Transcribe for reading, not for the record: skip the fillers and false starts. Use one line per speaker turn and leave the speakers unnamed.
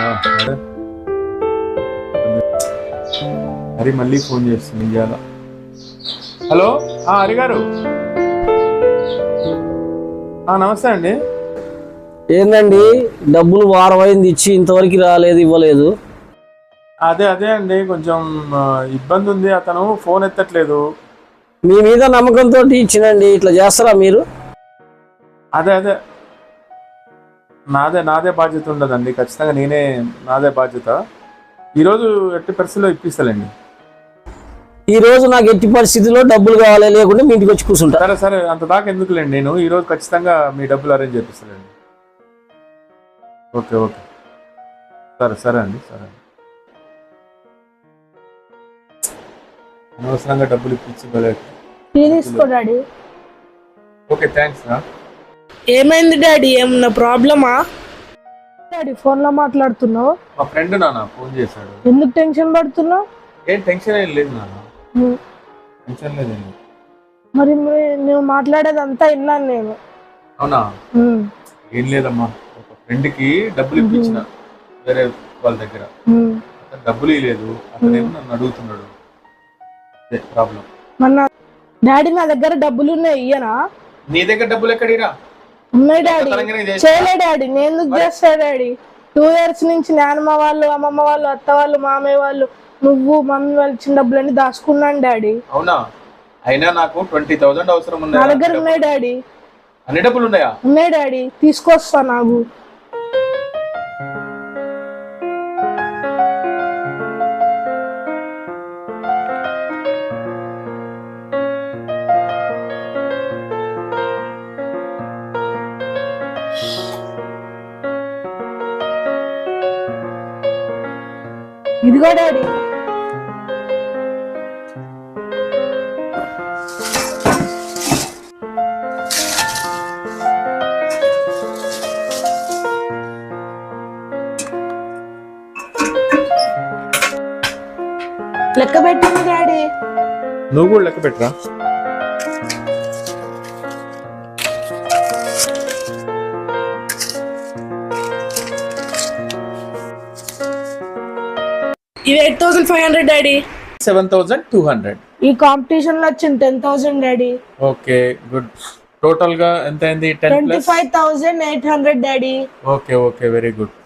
హరి మళ్ళీ ఫోన్ చేస్తుంది ఇవాళ. హలో హరి గారు, నమస్తే అండి.
ఏందండి డబ్బులు వారం అయింది ఇచ్చి ఇంతవరకు రాలేదు, ఇవ్వలేదు.
అదే అండి, కొంచెం ఇబ్బంది ఉంది. అతను ఫోన్ ఎత్తట్లేదు.
మీ మీద నమ్మకంతో ఇచ్చినండి, ఇట్లా చేస్తారా మీరు?
అదే నాదే బాధ్యత ఉండదండి, ఖచ్చితంగా నాదే బాధ్యత. ఈరోజు ఎట్టి పరిస్థితిలో ఇప్పిస్తానండి.
ఈ రోజు నాకు ఎట్టి పరిస్థితిలో డబ్బులు కావాలి, లేకుంటే మీ ఇంటికి వచ్చి కూర్చుంటా.
సరే అంత దాకా ఎందుకులేండి, నేను ఈరోజు ఖచ్చితంగా మీ డబ్బులు అరేంజ్ చేపిస్తానండి. ఓకే సరే అండి. అనవసరంగా డబ్బులు
తీసుకో డాడీ.
ఓకే, థ్యాంక్స్ రా.
ఏమైంది డాడీ, ఏమన్నా ప్రాబ్లమా? డాడీ ఫోన్ లో మాట్లాడుతున్నావు?
మా ఫ్రెండ్ నాన్న ఫోన్ చేశాడు.
ఎందుకు టెన్షన్ పడుతున్నావు?
ఏం టెన్షన్ ఏం లేదు నాన్న, టెన్షన్ లేదండి.
మరి నువ్వు మాట్లాడేదంతా విన్నాను నేను.
అవునా? ఏం లేదమ్మా, ఒక ఫ్రెండ్ కి డబ్బులు ఇప్పించిన వేరే వాళ్ళ దగ్గర. అతను డబ్బులు ఇవ్వలేదు, అతనేమో నన్ను అడుగుతున్నాడు. ప్రాబ్లం.
మన డాడీ నా దగ్గర డబ్బులు ఉన్నాయి, ఇయ్యనా?
నీ దగ్గర డబ్బులు ఎక్కడిరా?
ఉన్నాయి డాడీ. చేయలే డాడీ, నేను ఎందుకు చేస్తా డాడీ? 2 years నుంచి నాన్నమ్మ వాళ్ళు, అమ్మమ్మ వాళ్ళు, అత్త వాళ్ళు, మామయ్య వాళ్ళు, నువ్వు మమ్మీ వాళ్ళు ఇచ్చిన డబ్బులన్నీ దాచుకున్నాను డాడీ.
అవునా? అయినా నాకు 20,000 అవసరం ఉంది.
నా దగ్గర ఉన్నాయి డాడీ.
అన్ని డబ్బులు ఉన్నాయా?
ఉన్నాయి డాడీ, తీసుకొస్తా. నాకు ఇదిగో డాడీ. లెక్క పెట్టింది డాడీ.
నువ్వు కూడా లెక్క పెట్టరా.
ఇది 8,500 డాడీ.
7,200.
ఈ కాంపిటీషన్ లో వచ్చింది 10,000 డాడీ.
Okay, good. టోటల్ గా ఎంత అయింది?
25,800 డాడీ.
Okay, very good.